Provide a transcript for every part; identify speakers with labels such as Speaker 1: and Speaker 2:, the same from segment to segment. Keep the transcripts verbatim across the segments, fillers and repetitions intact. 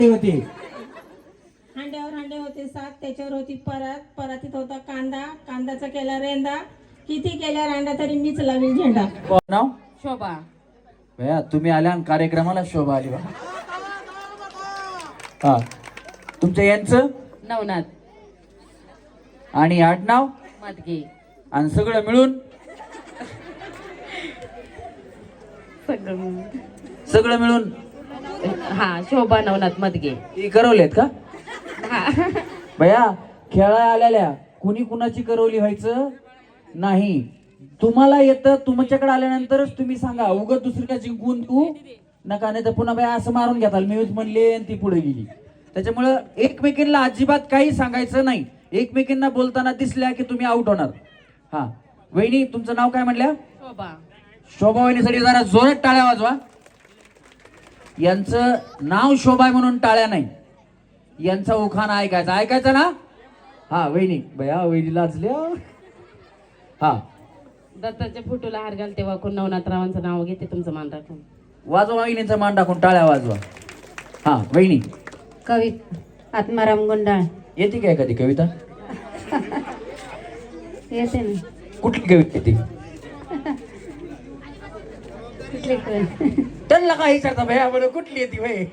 Speaker 1: होती
Speaker 2: हांड्यावर हांडे होते सात, त्याच्यावर होती परात, परातीत होता कांदा, कांद्याचा केला रेंदा, किती केल्या रांडा तरी मीच लावील झेंडा.
Speaker 1: कोण नाव?
Speaker 3: शोभा.
Speaker 1: भैया तुम्ही आल्या आणि कार्यक्रमाला शोभा आली बा. हा तुमचं यांचं
Speaker 3: नवनाथ
Speaker 1: आणि आडनाव
Speaker 3: मदगे.
Speaker 1: आणि सगळं मिळून
Speaker 3: सगळं
Speaker 1: सगळं मिळून
Speaker 3: हा शोभा नवनाथ मदगे.
Speaker 1: हे करवलेत का
Speaker 3: हा
Speaker 1: भैया? खेळा आलेल्या कुणी कुणाची करवली व्हायचं नाही. तुम्हाला येतं, तुमच्याकडे आल्यानंतरच तुम्ही सांगा. उगत दुसरीला जिंकून तू नका, नाही तर पुन्हा बाई असं मारून घेताल. मी म्हणले आणि ती पुढे गेली. त्याच्यामुळं एकमेकींना अजिबात काही सांगायचं नाही. एकमेकींना बोलताना दिसल्या की तुम्ही आउट होणार. हा वहिनी तुमचं नाव काय म्हणल्या?
Speaker 3: शोभा.
Speaker 1: शोभा वहिनीसाठी जरा जोरात टाळ्या वाजवा. यांचं नाव शोभा आहे म्हणून टाळ्या नाही, यांचा उखाणा ऐकायचा. ऐकायचा ना? हा वहिनी बया वहिनी लाजल्या. हा
Speaker 3: दत्ताच्या फोटोला हार घालते वाकून नवनाथरावांचं नाव घेते तुमचं मान राखून.
Speaker 1: वाजवा वहिनीचा मान टाकून टाळ्या वाजवा. हा वहिनी
Speaker 4: कवित आत्माराम गुंडाळ.
Speaker 1: येते काय कधी कविता?
Speaker 4: येते ना.
Speaker 1: कुठली कविता येते?
Speaker 4: कुठली कविता?
Speaker 1: त्यांना काय विचारता भैया बरं कुठली येते भाई?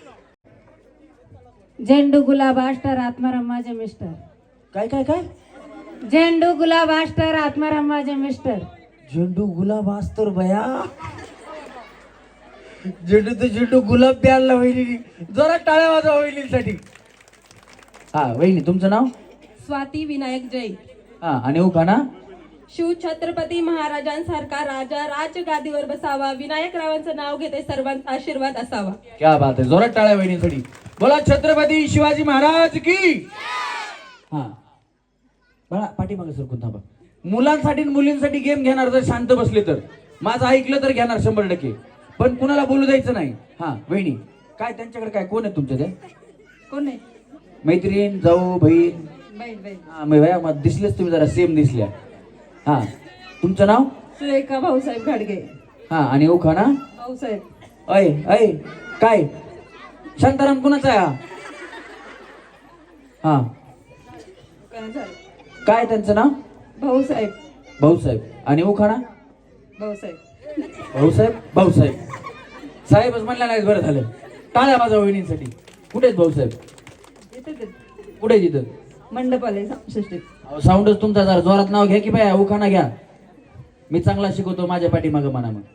Speaker 4: झेंडू गुलाब आष्टर आत्माराम माझे मिस्टर.
Speaker 1: काय काय काय?
Speaker 4: झेंडू गुलाब आष्टर आत्माराम माझे मिस्टर.
Speaker 1: झेंडू गुलाब असतो भया. झेंडू तर झेंडू गुलाब प्यारला वहिनी. जरा टाळ्या वाजवा वहिनीसाठी. हा वहिनी तुमचं नाव?
Speaker 2: स्वाती विनायक जैन.
Speaker 1: हा आणि उखाणा?
Speaker 2: शिव छत्रपती महाराजांसारखा राजा राजगादीवर बसावा, विनायकरावांचं नाव घेते सर्वांचा आशीर्वाद असावा.
Speaker 1: क्या बात आहे. जोरात टाळ्या वहिनीसाठी. बोला छत्रपती शिवाजी महाराज की. हा बळा पाठीमागे सरकून थांबा. मुलांसाठी आणि मुलींसाठी गेम घेणार जर शांत बसले तर. माझं ऐकलं तर घेणार शंभर टक्के, पण कुणाला बोलू द्यायचं नाही. हा वहिनी काय त्यांच्याकडे काय कोण आहे तुमच्या? त्या
Speaker 2: कोण आहे?
Speaker 1: मैत्रीण, जाऊ, बहीण?
Speaker 2: बाई बाई.
Speaker 1: हा मग भैया मग दिसलेच तुम्ही जरा सेम दिसल्या. हा तुमचं नाव?
Speaker 2: सुरेखा भाऊसाहेब घाडगे.
Speaker 1: हा आणि उखाणा?
Speaker 2: भाऊसाहेब.
Speaker 1: अय अय काय शांताराम कुणाचा आहे हा? हा काय त्यांचं नाव?
Speaker 2: भाऊसाहेब.
Speaker 1: भाऊसाहेब आणि उखाणा?
Speaker 2: भाऊसाहेब.
Speaker 1: भाऊसाहेब भाऊसाहेब साहेबच म्हणल्या नाही. बरं झालं. टाळ्या वाजवा वहिनींसाठी. कुठे आहेत भाऊसाहेब? कुठे तिथं?
Speaker 2: मंडप आले सृष्टीत.
Speaker 1: साऊंडच तुमचा जरा जोरात नाव घ्या की बाय. उखाणा घ्या. मी चांगला शिकवतो. माझ्या पाठीमागं म्हणा. मग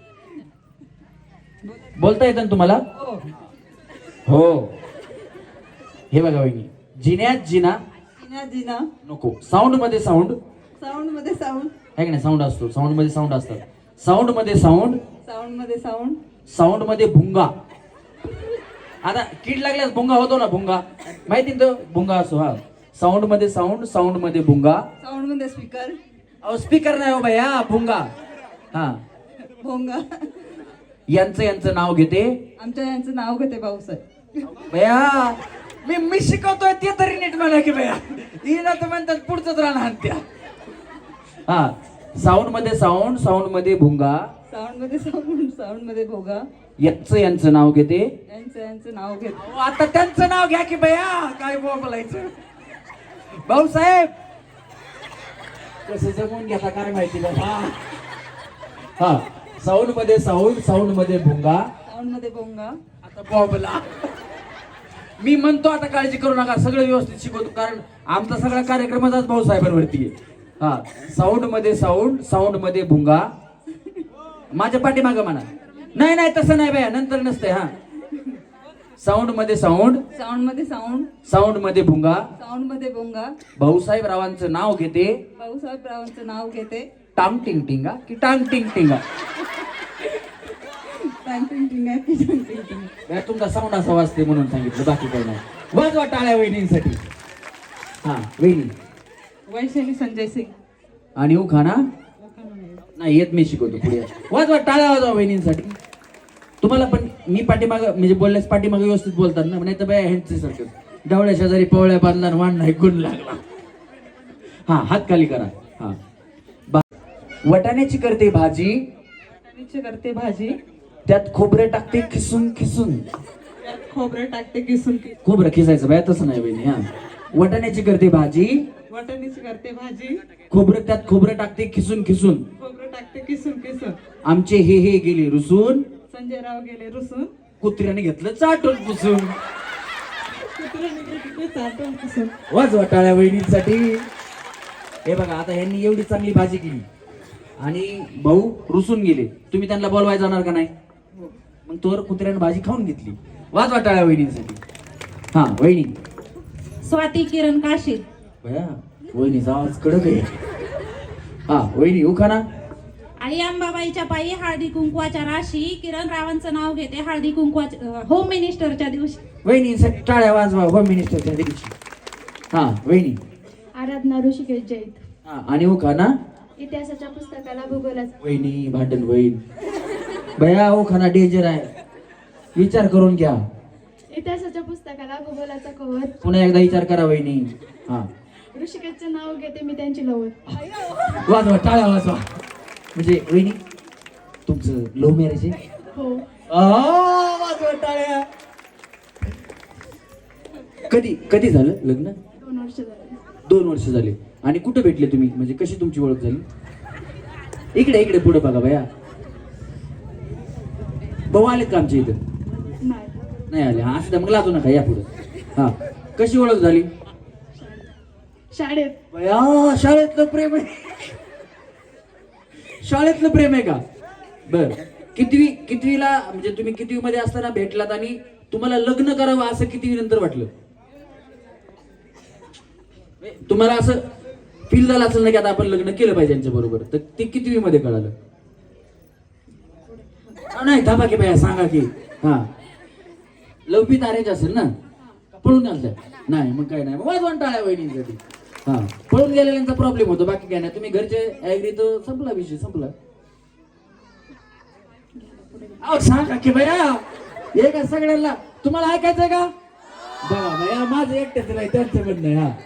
Speaker 1: बोलता येतं ना तुम्हाला? हो. हे बघा वहिनी, जिन्यात जिना
Speaker 2: जिना जिना
Speaker 1: नको. साऊंड मध्ये साऊंड.
Speaker 2: साऊंड मध्ये साऊंड.
Speaker 1: आहे की नाही? साऊंड असतो. साऊंड मध्ये साऊंड असतात. साऊंड मध्ये साऊंड.
Speaker 2: साऊंड मध्ये साऊंड.
Speaker 1: साऊंड मध्ये भुंगा. आता कीड लागल्यास भुंगा होतो ना. भुंगा माहिती ना? भुंगा असो. हा साऊंड मध्ये साऊंड. साऊंड मध्ये भुंगा.
Speaker 2: साऊंड मध्ये स्पीकर.
Speaker 1: अहो स्पीकर नाही हो भैया, भुंगा. हा
Speaker 2: भोंगा.
Speaker 1: यांचं यांचं नाव घेते.
Speaker 2: आमच्या यांचं नाव घेते भाऊसाहेब.
Speaker 1: भैया मी मी शिकवतोय ते तरी नीट म्हणा की भैया. हिला तर म्हणतात पुढचंच राहणार त्या. हा साऊंड मध्ये साऊंड. साऊंड मध्ये भुंगा.
Speaker 2: साऊंड मध्ये साऊंड. साऊंड मध्ये भोगा.
Speaker 1: यांचं यांचं नाव घेते.
Speaker 2: यांचं यांचं नाव घेते.
Speaker 1: अहो, आता त्यांचं नाव घ्या की भैया. काय बोलायचं भाऊसाहेब? कसं जमून घेता काय माहिती बाबा. हा साऊंड मध्ये साऊंड. साऊंड मध्ये भुंगा.
Speaker 2: साऊंड मध्ये भोंगा.
Speaker 1: आता बॉबला मी म्हणतो आता काळजी करू नका. सगळं व्यवस्थित शिकवतो, कारण आमचा सगळा कार्यक्रमाचाच भाऊसाहेबांवरती आहे. हा साऊंड मध्ये साऊंड. साऊंड मध्ये भुंगा. माझ्या पाठीमागं म्हणा. नाही नाही तसं नाही बाया, नंतर नसते. हा साऊंड मध्ये साऊंड.
Speaker 2: साऊंड मध्ये साऊंड.
Speaker 1: साऊंड मध्ये भुंगा.
Speaker 2: साऊंड मध्ये भोंगा.
Speaker 1: भाऊसाहेब रावांचं नाव घेते.
Speaker 2: भाऊसाहेब रावांचं नाव घेते.
Speaker 1: टांग टिंग टिंगा की टांग टिंग टिंगा?
Speaker 2: टांग टिंग टिंग आहे की टांग टिंग टिंग.
Speaker 1: बाया, तुमचा साऊंड असा वाजते म्हणून सांगितलं, बाकी काही नाही. वाजवा टाळ्या वहिनींसाठी. हा वहिनी.
Speaker 2: वैशाली संजय सिंग.
Speaker 1: आणि उखाणा नाही येत, मी शिकवतो पुढे. वाजवा टाळ्या वाजवा वहिनींसाठी. तुम्हाला पण मी पाठीमाग म्हणजे बोलल्यास पाठीमाग व्यवस्थित बोलतात ना, नाही तर बाया ह्यांचे सारखं डवळ्या शेजारी पवळ्या बांधला वाण नाही गुण लागला. हा हात खाली करा. हा वटाण्याची करते भाजी.
Speaker 2: वटाण्याची करते भाजी.
Speaker 1: त्यात खोबरे टाकते खिसून खिसून.
Speaker 5: खोबरं टाकते किसून की
Speaker 1: खोबरं खिसायचं बाया तसं नाही वहिनी. हा वाटाण्याची करते भाजी,
Speaker 5: वाटाण्याची करते भाजी,
Speaker 1: खोबरं त्यात खोबरं टाकते खिसून खिसून.
Speaker 5: खोबरं टाकते किसून किसून.
Speaker 1: आमचे हे हे गेले रुसून,
Speaker 5: संजय राव गेले रुसून,
Speaker 1: कुत्र्याने घेतलं चाटून पुसून.
Speaker 5: कुत्र्याने घेतले चाटून किसून.
Speaker 1: वाजवा टाळ्या वहिनींसाठी. हे बघा आता ह्यांनी एवढी चांगली भाजी केली आणि भाऊ रुसून गेले, तुम्ही त्यांना बोलवायला जाणार का नाही? मग तोवर कुत्र्याने भाजी खाऊन घेतली. वाजवा टाळ्या वहिनींसाठी. हा वहिनी.
Speaker 2: स्वाती किरण काशीद.
Speaker 1: बया वहिनीचा आवाज कडक आहे. हा वहिनी उखाना.
Speaker 2: आई अंबाबाईच्या पायी हळदी कुंकवाच्या राशी, किरण रावांचं नाव घेते हळदी कुंकवाच्या होम मिनिस्टरच्या दिवशी.
Speaker 1: वहिनीसाठी टाळ्या वाजवा होम मिनिस्टरच्या दिवशी. हा वहिनी.
Speaker 6: आराधना ऋषिकेश जैत.
Speaker 1: हा आणि उखाना.
Speaker 6: इतिहासाच्या पुस्तकाला भूगोलाचा.
Speaker 1: वहिनी भांडण होईल. बया उखाना डेंजर आहे, विचार करून घ्या.
Speaker 6: इतिहासाच्या पुस्तकाला भूगोलाचा कवर.
Speaker 1: पुन्हा एकदा विचार करा वहिनी. हा
Speaker 6: ऋषिकेशचे नाव घेते मी त्यांची लवत.
Speaker 1: वाजवा टाळ्या वाजवा. म्हणजे वहिनी तुमचं लव्ह मॅरेज आहे?
Speaker 6: हो.
Speaker 1: आ, वाजवा टाळ्या. कधी कधी झालं लग्न?
Speaker 6: दोन वर्ष झाली.
Speaker 1: दोन वर्ष झाले. आणि कुठे भेटले तुम्ही, म्हणजे कशी तुमची ओळख झाली? इकडे इकडे पुढे बघा बया. भाऊ आलेत का आमच्या इथं?
Speaker 6: नाही.
Speaker 1: नाही आले. हा असं मग लाजू नका, या पुढे. हा कशी ओळख झाली?
Speaker 6: शाळेत.
Speaker 1: बया शाळेतलं प्रेम आहे. शाळेतलं प्रेम आहे का? बर कितवी कितवीला, म्हणजे तुम्ही कितवी मध्ये असताना भेटलात आणि तुम्हाला लग्न करावं असं कितवी नंतर वाटलं? तुम्हाला असं फील झालं असेल ना की आता आपण लग्न केलं पाहिजे यांच्या बरोबर, तर ते कितवी मध्ये कळालं? नाही थांबा की बाया सांगा की. हा लवपीत अरेंज असेल ना? पळून घालताय? नाही मग काय नाही, वाजवण टाळ्या वहिनींसाठी. हा पळून गेलेल्यांचा प्रॉब्लेम होतो, बाकी काय नाही. तुम्ही घरचे ऍग्री तर संपला विषय, संपला. अहो सांगा की बया, हे का सगळ्यांना तुम्हाला ऐकायचंय का? बघा बया माझं एकट्याच नाही, त्यांचं पण नाही. हा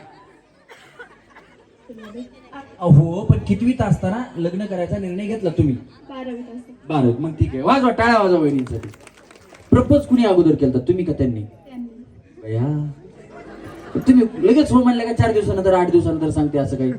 Speaker 1: अहो पण कितवीत असताना लग्न करायचा निर्णय घेतला तुम्ही?
Speaker 6: बारावीत असते.
Speaker 1: बारावीत. मग ठीक आहे, वाजवा टाळ्या वाजवा वहिनींसाठी. प्रपोज कुणी अगोदर केलं, तुम्ही का त्यांनी?
Speaker 6: त्यांनी.
Speaker 1: बया तुम्ही लगेच हो म्हणलं का चार दिवसानंतर आठ दिवसानंतर सांगते असं काही?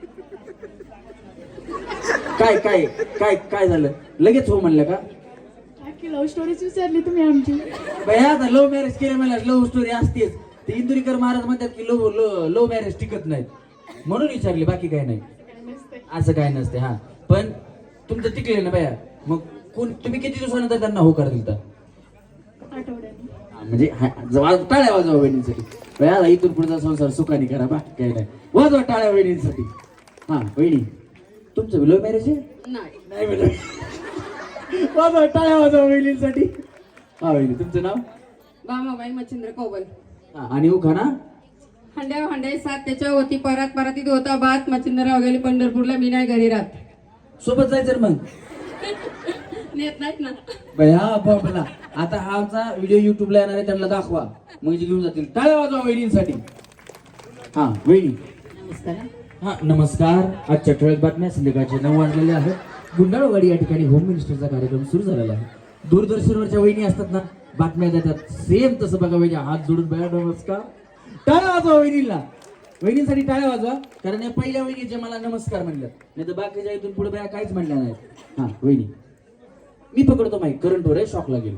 Speaker 1: काय काय काय काय झालं? लगेच हो म्हणलं का?
Speaker 6: अख्खी लव्ह स्टोरीच विचारली तुम्ही आमची.
Speaker 1: बया आता लव्ह मॅरेज केलं मला लव्ह स्टोरी असतेच. ते इंदुरीकर महाराज म्हणतात की लव्ह लव्ह मॅरेज टिकत नाहीत म्हणून विचारले, बाकी काय नाही. असं काय नसते. हा पण तुमचं टिकले ना बया. मग कोण तुम्ही किती दिवसानंतर त्यांना हो कर दिलता?
Speaker 6: आठवड्याने.
Speaker 1: म्हणजे टाळ्या वाजवा वहिनींसाठी. बया इथून पुढचा संसार सुखाने करा, बाकी काय नाही. वाजवा टाळ्या वहिनींसाठी. हा वहिनी तुमचं लव्ह मॅरेज आहे?
Speaker 3: नाही.
Speaker 1: नाही बरं. वाजवा टाळ्या वाजवा वहिनींसाठी. हा वहिनी तुमचं नाव?
Speaker 3: बामाबाई मच्छिंद्र कोबल.
Speaker 1: हा आणि उखाणा.
Speaker 3: हंड्या हंड्या सात त्याच्या होती परात परातीत होता बात, मच्छिंद्रराव गेले पंढरपूरला, मी नाही घरी राहत.
Speaker 1: सोबत जायचं मग?
Speaker 3: नेत नाहीत ना.
Speaker 1: बया बाबला आता हा आमचा व्हिडिओ युट्यूबला येणार आहे, त्यांना दाखवा म्हणजे घेऊन जातील. टाळ्या वाजवा वहिनींसाठी. हा वहिनी
Speaker 3: नमस्कार.
Speaker 1: हा नमस्कार. आजच्या ठळक बातम्या संध्याकाळचे नऊ वाजलेले आहेत. गुंडाळवाडी या ठिकाणी होम मिनिस्टरचा कार्यक्रम सुरू झालेला आहे. दूरदर्शनवरच्या वहिनी असतात ना, बातम्या देतात सेम तसं बघा वहिनी हात जोडून बया नमस्कार. टाळ्या वाजवा वहिनीला. वहिनीसाठी टाळ्या वाजवा, कारण या पहिल्या वहिनीचे मला नमस्कार म्हणल्यात, नाही तर बाकीच्या इथून पुढे बया काहीच म्हणल्या नाहीत. हा वहिनी मी पकडतो माहिती, करंट वर आहे, शॉक लागेल.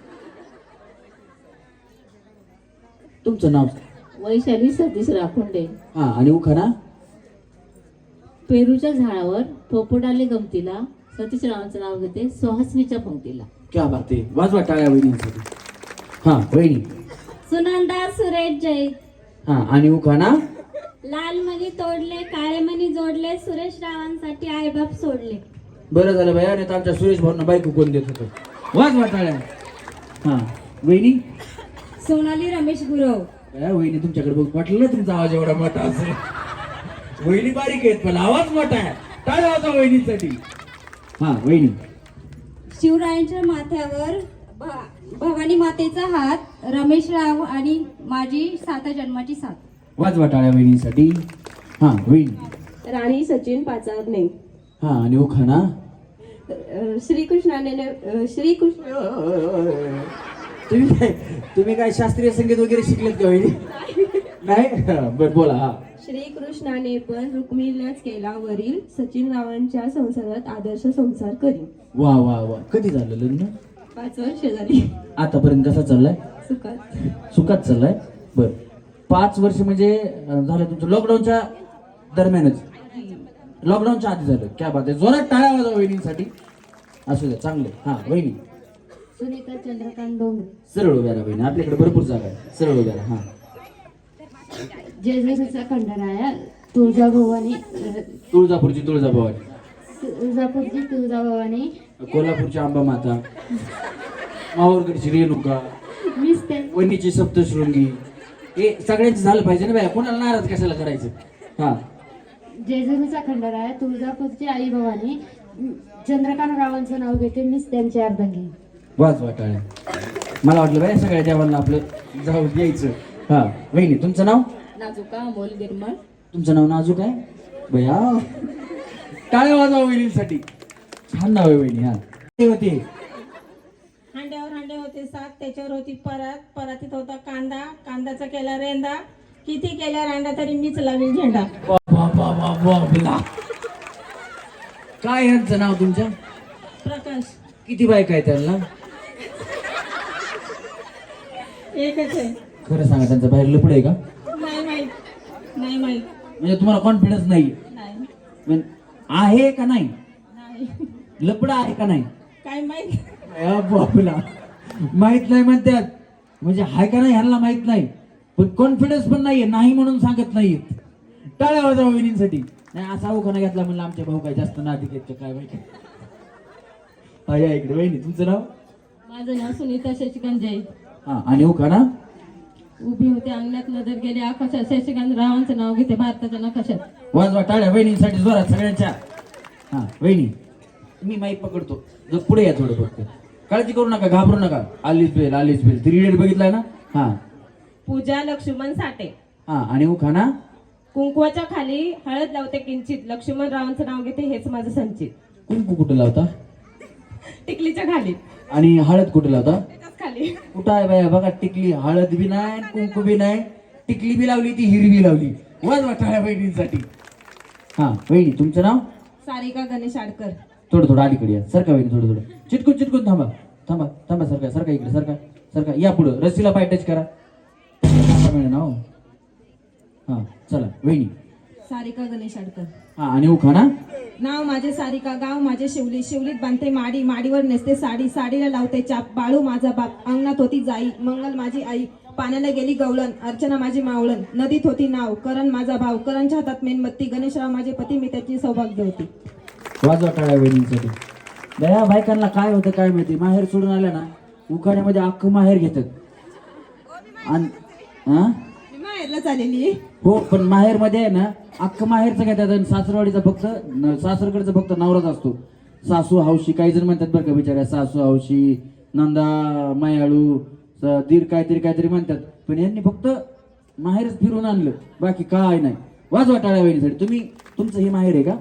Speaker 1: तुमचं नाव?
Speaker 7: वैशाली सतीश राखोंडे.
Speaker 1: हा आणि उखाणा.
Speaker 7: पेरूच्या झाडावर पोपटाले गमतीला, सतीश रावांचं नाव घेते सुहासनीच्या पंक्तीला.
Speaker 1: क्या बात आहे, वाजवा टाळ्या वहिनींसाठी. हा वहिनी.
Speaker 6: सुनंदा सुरेश जैत.
Speaker 1: हा आणि उखाणा.
Speaker 6: लाल मणी तोडले काळे मणी जोडले, सुरेश रावांसाठी आईबाप सोडले.
Speaker 1: बरं झालं बाया, नाही तर आमच्या सुरेश भाऊंना बायको कोण देत होतं. वाजवा टाळ्या. हा वहिनी.
Speaker 2: सोनाली रमेश गुरव.
Speaker 1: बाया वहिनी तुमच्याकडे बघ, वाटलं ना तुमचा आवाज एवढा मोठा असेल. वहिनी बारीक आहेत पण आवाज मोठा आहे. टाळ्या वाजवा वहिनीसाठी. हा वहिनी.
Speaker 2: शिवरायांच्या माथ्यावर भ- भवानी मातेचा हात, रमेश राव आणि माझी सात जन्माची साथ.
Speaker 1: वाजवा टाळ्या वहिनीसाठी. हा वहिनी.
Speaker 8: राणी सचिन पाचारणे.
Speaker 1: हा आणि उखाणा.
Speaker 8: श्रीकृष्णाने श्रीकृष्ण
Speaker 1: तुम्ही काय तुम्ही काय शास्त्रीय संगीत वगैरे शिकलेत का वहिनी? नाही बरं बोला. हा
Speaker 2: श्रीकृष्णाने पण रुक्मिणीलाच केला वरील सचिन रावांच्या संसारात आदर्श संसार करीन.
Speaker 1: वा वा वा. कधी झालं लग्न?
Speaker 2: पाच वर्ष झाली.
Speaker 1: आतापर्यंत कसा चाललाय?
Speaker 2: सुखात.
Speaker 1: सुखात चाललाय. बर पाच वर्ष म्हणजे अं, झालं तुमचं लॉकडाऊनच्या दरम्यानच? लॉकडाऊनच्या आधी झालं. क्या बात आहे. जोरात टाळ्या वाजवा वहिनींसाठी. असू द्या चांगले. हा वहिनी
Speaker 4: सुनीता चंद्रकांत डोंगरे.
Speaker 1: सरळ उभ्या राहा वहिनी, आपल्याकडे भरपूर जागा आहे. सरळ उभ्या राहा. हा
Speaker 4: जेजुरीचा खंडराया तुळजाभवानी
Speaker 1: तुळजापूरची तुळजाभवानी,
Speaker 4: तुळजापूरची तुळजाभवानी
Speaker 1: कोल्हापूरची अंबा माता, माहूरगडची रेणुका,
Speaker 4: मीच ते
Speaker 1: वणीची सप्तशृंगी. हे सगळ्यांचं झालं पाहिजे ना बाया, कोणाला नाराज कशाला करायचं. हा
Speaker 4: जेजुरीचा खंडराया तुळजापूरची आई भवानी चंद्रकांत रावांचं नाव घेते मीच त्यांची अर्धांगी.
Speaker 1: वाच वाटाळ्या. मला वाटलं बाया सगळ्या देवांना आपलं जाऊ द्यायचं. हा वहिनी तुमचं नाव?
Speaker 3: नाजुका अमोल गिरमळ.
Speaker 1: तुमचं नाव नाजूक आहे बया. टाळ्या वाजवा वहिनीसाठी. छान नाव आहे वहिनी. हा ते होते
Speaker 2: हांड्यावर हांडे होते सात त्याच्यावर होती परात, परातीत होता कांदा, कांद्याचा केला रेंदा, किती केल्या रांडा तरी मीच लावील झेंडा.
Speaker 1: वा, वा, वा, वा, वा, वा. काय यांचं नाव तुमच्या?
Speaker 2: प्रकाश.
Speaker 1: किती बायका आहे त्यांना?
Speaker 2: एकच आहे.
Speaker 1: खरं सांगा त्यांचं बाहेर लपड आहे का?
Speaker 2: नाही माहित. नाही माहित.
Speaker 1: म्हणजे तुम्हाला कॉन्फिडन्स नाही
Speaker 2: नाही.
Speaker 1: म्हणजे आहे का नाही?
Speaker 2: नाही.
Speaker 1: लपड आहे का नाही?
Speaker 2: काय माहित.
Speaker 1: अ, बापला माहित नाही म्हणतात. म्हणजे हाय का नाही ह्यांना माहित नाही, पण कॉन्फिडन्स पण नाहीये, नाही म्हणून सांगत नाहीत. टाळ्या वाजवा वहिनींसाठी. नाही असा उखाणा घेतला म्हणलं आमच्या भाऊ काय जास्त नादी घेत काय माहिती. हा या इकडे वहिनी तुमचं नाव?
Speaker 3: माझं नाव सुनीता शशिकांत जैन.
Speaker 1: हा आणि उखाणा?
Speaker 3: उभी होते अंगणात नजर गेली आकाशात शशिकांत रावांचं नाव घेते भारताच्या नकाशात.
Speaker 1: वाजवा टाळ्या वहिनींसाठी जोरात सगळ्यांच्या. हा वहिनी मी माईक पकडतो, जर पुढे या थोडं फक्त. काळजी करू नका, घाबरू नका. आलीच बेल आलीच बेल थ्री इडियट बघितलाय ना? हा
Speaker 2: पूजा लक्ष्मण साठे.
Speaker 1: हा आणि उखाणा?
Speaker 2: कुंकवाच्या खाली हळद लावते किंचित, लक्ष्मण रावांचं नाव घेते हेच माझं संचित.
Speaker 1: कुंकू कुठे लावता?
Speaker 2: टिकलीच्या खाली.
Speaker 1: आणि हळद कुठे लावता?
Speaker 2: त्याच्याच खाली.
Speaker 1: कुठं आहे बाया बघा, टिकली हळद बी नाही कुंकू बी नाही, टिकली बी लावली ती हिरवी लावली. वाजवा टाळ्या वहिनींसाठी. हा वहिनी तुमचं नाव?
Speaker 2: सारिका गणेश आडकर.
Speaker 1: थोडं थोडं अलीकडे या. सरका वहिनी थोडं थोडं चिटकून चिटकून थांबा थांबा थांबा. सरका सरका इकडे सरका सरका. या पुढं रस्सीला पाय टच करा. नाव हा चला वहिनी.
Speaker 2: सारिका गणेश आडकर.
Speaker 1: हा आणि उखाणा?
Speaker 2: नाव माझे सारिका, गाव माझे शिवली, शिवलीत बांधते माडी, माडीवर नेसते साडी, साडीला लावते चाप, बाळू माझा बाप, अंगणात होती जाई, मंगल माझी आई, पाण्याला गेली गवळण, अर्चना माझी मावळण, नदीत होती नाव, करण माझा भाव, करणच्या हातात मेणबत्ती, गणेशराव माझे पती, मी त्याची सौभाग्य होती.
Speaker 1: वाजवा टाळ्या वहिनींसाठी. दया बायकांना काय होतं काय माहिती, माहेर सोडून आल्या ना उखाण्यामध्ये अख्खं माहेर घेतात. आणि हा
Speaker 2: मी माहेरला चाललेली.
Speaker 1: हो पण माहेर मध्ये आहे ना अख्खं माहेरचं घेतात आणि सासरवाडीचा फक्त न- सासरकडचा फक्त नवराच असतो. सासू हौशी काही जण म्हणतात बरं का बिचाऱ्या, सासू हौशी, नंदा मायाळू, स- दीर काहीतरी काहीतरी म्हणतात, पण यांनी फक्त माहेरच फिरून आणलं, बाकी काय नाही. वाजवा टाळ्या वहिनीसाठी. तुम्ही तुमचं हे माहेर आहे का?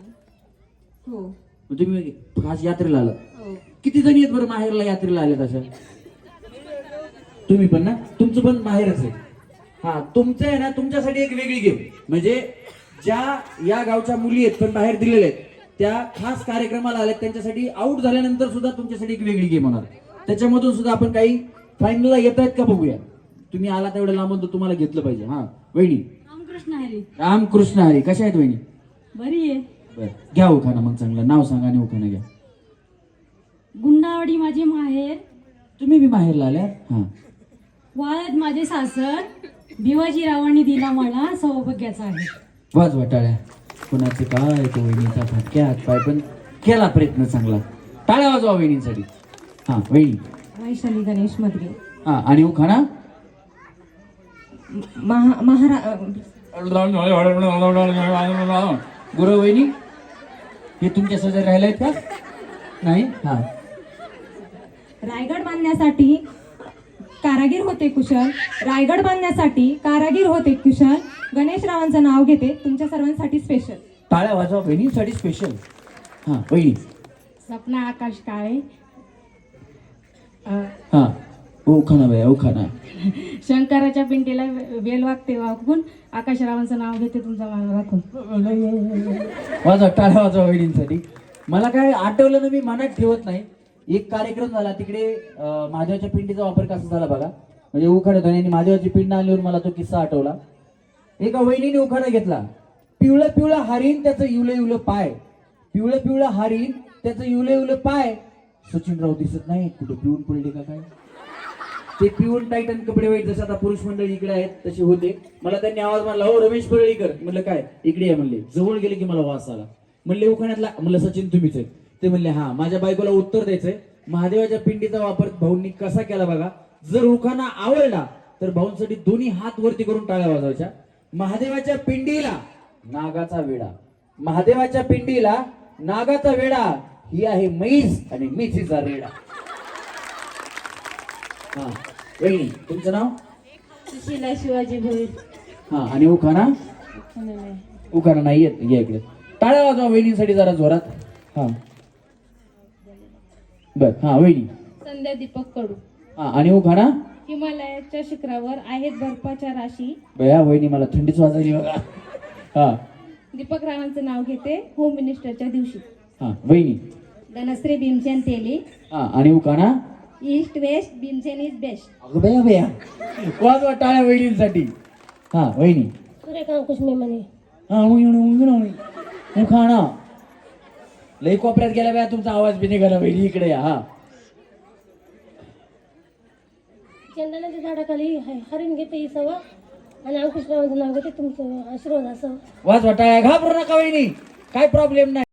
Speaker 2: हो.
Speaker 1: मग तुम्ही खास यात्रेला आला? किती जणी आहेत बरं माहेरला यात्रेला आले तशा? तुम्ही पण ना? तुमचं पण माहेरच आहे. हा तुमचं आहे ना, तुमच्यासाठी एक वेगळी गेम, म्हणजे ज्या या गावच्या मुली आहेत पण बाहेर दिलेल्या आहेत त्या खास कार्यक्रमाला आल्यात, त्यांच्यासाठी आउट झाल्यानंतर सुद्धा तुमच्यासाठी एक वेगळी गेम होणार. त्याच्यामधून सुद्धा आपण काही फायनलला येत आहेत का बघूया. तुम्ही आला तेवढ्या लांबून तर तुम्हाला घेतलं पाहिजे. हा वहिनी.
Speaker 3: रामकृष्ण हरी.
Speaker 1: रामकृष्ण हरी. कशा आहेत वहिनी?
Speaker 3: बरी आहे.
Speaker 1: बरं घ्या उखाणा मग, चांगलं नाव सांगा आणि उखाणा घ्या.
Speaker 4: गुंडावाडी माझे माहेर,
Speaker 1: तुम्ही बी माहेरला आल्या? हा
Speaker 4: वाळद माझे सासर, भिवाजी रावांनी दिला मला सौभाग्याचा आहे.
Speaker 1: वाजवा टाळ्या. कोणाचे काय तो वहिनीचा फटक्यात पाय पण केला प्रयत्न चांगला. टाळ्या वाजवा वहिनीसाठी. हा वहिनी.
Speaker 2: वैशाली गणेश मधगे.
Speaker 1: हा आणि उखाणा?
Speaker 2: महा महारा
Speaker 1: गुरु वहिनी हे तुमच्या शेजारी राहिला आहेत का? नाही. हा
Speaker 2: रायगड बांधण्यासाठी कारागीर होते कुशल, रायगड बांधण्यासाठी कारागीर होते कुशल, गणेशरावांचं नाव घेते तुमच्या सर्वांसाठी स्पेशल.
Speaker 1: टाळ्या वाजवा वहिनीसाठी स्पेशल. हा वहिनी.
Speaker 4: सपना आकाश काळे,
Speaker 1: हा उखाणा बाया उखाणा.
Speaker 8: शंकराच्या पिंटीला वेल वागते वाकून आकाशरावांचं नाव घेते तुमचा मान राखून.
Speaker 1: वाजवा टाळ्या वाजवा वहिनींसाठी. मला काय आठवलं ना, मी मनात ठेवत नाही. एक कार्यक्रम झाला तिकडे, अं, महादेवाच्या पिंडीचा वापर कसा झाला बघा. म्हणजे उखाणा होता आणि महादेवाची पिंड आल्यावर मला तो किस्सा आठवला. एका वहिनीने उखाणा घेतला. पिवळं पिवळं हरीण त्याचं इवलं इवलं पाय, पिवळं पिवळं हरीण त्याचं इवलं इवलं पाय. सचिनराव दिसत नाही, कुठे पिऊन पडले का काय. ते पिऊन टाईटन कपडे वाईट जसं आता पुरुष मंडळी इकडे आहेत तसे होते. मला त्यांनी आवाज मारला, हो रमेश परळीकर. म्हणलं काय, इकडे या म्हणले. जवळ गेले की मला वास आला. म्हणले उखाण्यातला, म्हणलं सचिन तुम्हीच आहे. ते म्हणले हा. माझ्या बायकोला उत्तर द्यायचंय. महादेवाच्या पिंडीचा वापर भाऊंनी कसा केला बघा. जर उखाणा आवडला तर भाऊंसाठी दोन्ही हात वरती करून टाळ्या वाजवायच्या. महादेवाच्या पिंडीला नागाचा वेडा, महादेवाच्या पिंडीला नागाचा वेडा, ही आहे म्हैस आणि मेथीचा रेडा. हा वहिनी तुमचं नाव?
Speaker 4: सुशीला शिवाजी भोईर.
Speaker 1: हा आणि उखाणा? उखाणा नाही येत. या इकडे टाळ्या वाजवा वहिनीसाठी जरा जोरात. हा बर. हा वहिनी.
Speaker 8: संध्या दीपक कडू.
Speaker 1: हा आणि उखाणा?
Speaker 8: हिमालयाच्या शिखरावर आहेत बर्फाच्या राशी,
Speaker 1: बया वहिनी मला थंडीच वाजायली बघा. हा
Speaker 8: दीपक रावांचं नाव घेते होम मिनिस्टरच्या दिवशी.
Speaker 1: हा वहिनी.
Speaker 8: धनश्री भीमसेन तेली.
Speaker 1: हा आणि उखाणा?
Speaker 8: East west Bhimsen is best.
Speaker 1: अगं बया बया वाजवा टाळ्या वहिनींसाठी. हा वहिनी.
Speaker 8: सूर्यकांत कुशमे म्हणे.
Speaker 1: हा उखाणा? लई कोपऱ्यात गेला बया, तुमचा आवाज बी निघाला. वहिनी इकडे या. हा
Speaker 8: चंदनाच्या झाडाखाली हरिण घेते ही सवा आणि अंकुशरावांचं नाव घेते तुमचं आशीर्वाद असावं.
Speaker 1: वाजवा टाळ्या. घाबरू नका वहिनी, काय प्रॉब्लेम नाही.